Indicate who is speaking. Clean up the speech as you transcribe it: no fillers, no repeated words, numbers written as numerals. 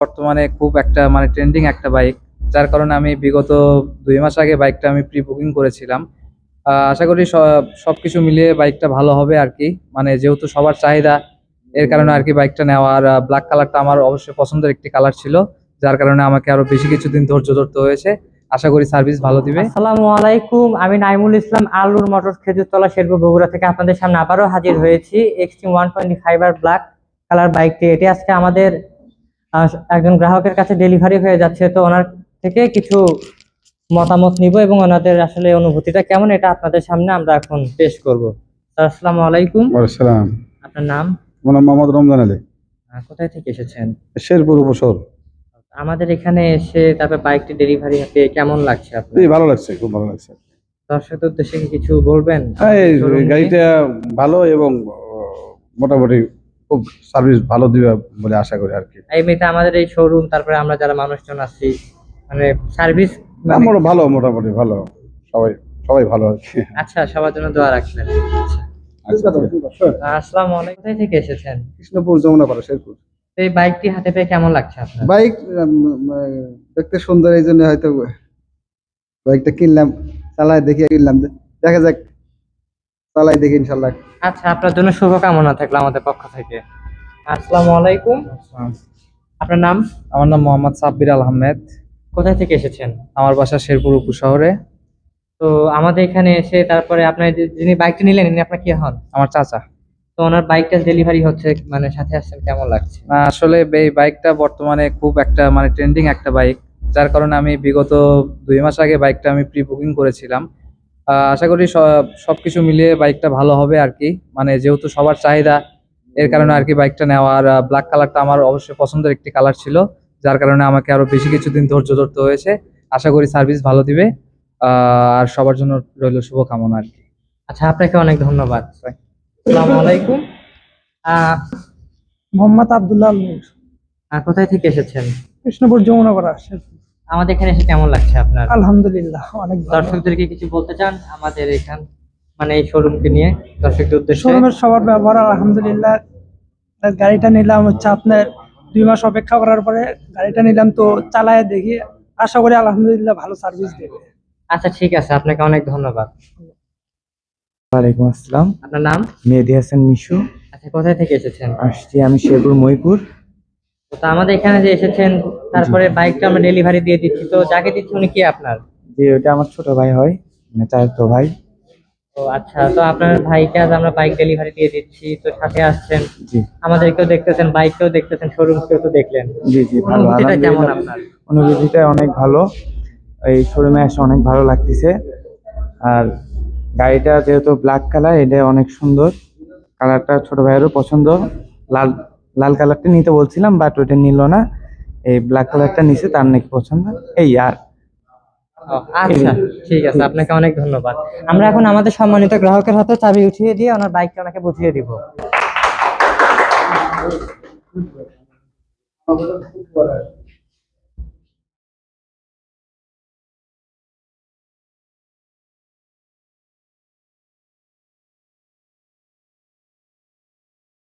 Speaker 1: বর্তমানে খুব একটা ট্রেন্ডিং একটা বাইক, যার কারণে আমি বিগত 2 মাস আগে বাইকটা আমি প্রি বুকিং করেছিলাম। আশা করি সবকিছু মিলিয়ে বাইকটা ভালো হবে আর কি। যেহেতু সবার চাহিদা, এর কারণে আর কি বাইকটা নেওয়া। আর ব্ল্যাক কালারটা আমার অবশ্যই পছন্দের একটি কালার ছিল, যার কারণে আমাকে আরো বেশি কিছুদিন ধৈর্য ধরতে হয়েছে। আশা করি সার্ভিস ভালো দিবে।
Speaker 2: আসসালামু আলাইকুম, আমি নাইমুল ইসলাম, আলুর মোটরস খেজুরতলা শেরপুর বগুড়া থেকে আপনাদের সামনে আবারও হাজির হয়েছি। এক্সট্রিম 125 আর ব্ল্যাক কালার বাইকটি এটি আজকে আমাদের একজন গ্রাহকের কাছে ডেলিভারি হয়ে যাচ্ছে। তো ওনার থেকে কিছু মতামত নিব এবং ওনাদের আসলে অনুভূতিটা কেমন এটা আপনাদের সামনে আমরা এখন পেশ করব। আসসালামু আলাইকুম।
Speaker 3: আসসালাম।
Speaker 2: আপনার নাম?
Speaker 3: আমার নাম মোহাম্মদ রমজান আলী।
Speaker 2: কোথায় থেকে এসেছেন?
Speaker 3: শেরপুর উপশহর।
Speaker 2: আমাদের এখানে এসে তারপর বাইকটি ডেলিভারি পেয়ে কেমন লাগছে আপনার?
Speaker 3: ভালো লাগছে, খুব ভালো লাগছে।
Speaker 2: দর্শকদের উদ্দেশ্যে কি কিছু বলবেন?
Speaker 3: গাড়িটা ভালো এবং মোটামুটি খুব সার্ভিস ভালো দিবে বলে আশা করি আর কি।
Speaker 2: এমনিতে আমাদের এই শোরুম, তারপরে আমরা যারা মানুষজন আছি, সার্ভিস
Speaker 3: আমরা ভালো, মোটামুটি ভালো, সবাই সবাই ভালো আর কি।
Speaker 2: আচ্ছা, সবার জন্য দোয়া রাখবেন। আসসালামু আলাইকুম। কোথায় থেকে এসেছেন?
Speaker 3: কৃষ্ণপুর, যমুনাপাড়া, শেরপুর।
Speaker 2: এই বাইকটি হাতে পেয়ে কেমন লাগছে আপনার?
Speaker 3: বাইক দেখতে সুন্দর, এই জন্য হয়তো বাইকটা কিনলাম, চালায় দেখি কিনলাম, দেখা যাক, চালাই দেখি ইনশাল্লাহ।
Speaker 2: আচ্ছা, আপনার জন্য শুভকামনা থাকলো আমাদের পক্ষ থেকে। আসসালামু আলাইকুম। আপনার নাম?
Speaker 1: আমার নাম মোহাম্মদ সাব্বির আল আহমেদ।
Speaker 2: কোথায় থেকে এসেছেন?
Speaker 1: আমার বাসা শেরপুর উপশহরে।
Speaker 2: তো আমাদের এখানে এসে তারপরে আপনার যিনি বাইকটি নিলেন, ইনি আপনার কি হন?
Speaker 1: আমার চাচা।
Speaker 2: তো ওনার বাইকটা ডেলিভারি হচ্ছে, সাথে আসছেন, কেমন লাগছে?
Speaker 1: আসলে এই বাইকটা বর্তমানে খুব একটা ট্রেন্ডিং একটা বাইক, যার কারণে আমি বিগত 2 মাস আগে বাইকটা আমি প্রি বুকিং করেছিলাম। আশা করি সবকিছু মিলিয়ে বাইকটা ভালো হবে আর কি। যেহেতু সবার চাহিদা, এর কারণে আর কি বাইকটা নেওয়া। আর ব্ল্যাক কালারটা আমার অবশ্যই পছন্দের একটি কালার ছিল, যার কারণে আমাকে আরো বেশি কিছুদিন ধৈর্য ধরতে হয়েছে। আশা করি সার্ভিস ভালো দিবে। আর সবার জন্য রইল শুভকামনা আর কি।
Speaker 2: আচ্ছা, আপনাকে অনেক ধন্যবাদ। আসসালামু আলাইকুম।
Speaker 4: মোহাম্মদ আব্দুল্লাহ নূর।
Speaker 2: কোথায় থেকে এসেছেন?
Speaker 4: কৃষ্ণপুর, যমুনাপাড়া।
Speaker 2: আমাদের এখানে এসে কেমন লাগছে আপনার?
Speaker 4: আলহামদুলিল্লাহ, অনেক ভালো।
Speaker 2: দর্শকদেরকে কিছু বলতে চান আমাদের এখান এই শোরুমকে নিয়ে দর্শকদের উদ্দেশ্যে?
Speaker 4: শোরুমের সবার ব্যবহার আলহামদুলিল্লাহ। গাড়িটা নিলাম হচ্ছে আপনার 2 মাস অপেক্ষা করার পরে গাড়িটা নিলাম, তো চালায় দেখি, আশা করি আলহামদুলিল্লাহ ভালো সার্ভিস দেবে।
Speaker 2: আচ্ছা, ঠিক আছে, আপনাকে অনেক ধন্যবাদ।
Speaker 5: ওয়ালাইকুম আসসালাম।
Speaker 2: আপনার নাম?
Speaker 5: মেহেদি হাসান মিশু।
Speaker 2: আচ্ছা, কোথায় থেকে এসেছেন?
Speaker 5: আসছি আমি শেরপুর মহিপুর।
Speaker 2: তো আমাদের এখানে যে এসেছেন, তারপরে বাইকটা আমরা ডেলিভারি দিয়ে দিচ্ছি। তো যাকে দিচ্ছি উনি কি আপনার?
Speaker 5: যে ওটা আমার ছোট ভাই হয়, চাচাতো ভাই।
Speaker 2: তো আচ্ছা, তো আপনার ভাইকে আজ আমরা বাইক ডেলিভারি দিয়ে দিচ্ছি, তো সাথে আসছেন,
Speaker 5: জি।
Speaker 2: আমাদেরকেও দেখতেছেন, বাইককেও দেখতেছেন, শোরুমকেও তো দেখলেন।
Speaker 5: জি জি, ভালো।
Speaker 2: অনুভূতিটা কেমন আপনার?
Speaker 5: অনুভূতিটা অনেক ভালো। এই শোরুমে এসে অনেক ভালো লাগতেছে। আর গাড়িটা যেহেতু ব্ল্যাক কালার, এটা অনেক সুন্দর কালারটা, ছোট ভাইয়েরও পছন্দ। লাল লাল কালারটা নিতে বলছিলাম, বাট ওইটা নিল না, এই ব্ল্যাক কালারটা নিছে, তার নাকি পছন্দ। এই আর
Speaker 2: আচ্ছা, ঠিক আছে, আপনাকে অনেক ধন্যবাদ। আমরা এখন আমাদের সম্মানিত গ্রাহকের হাতে চাবি উঠিয়ে দিয়ে ওনার বাইকটা ওনাকে বুঝিয়ে দিব।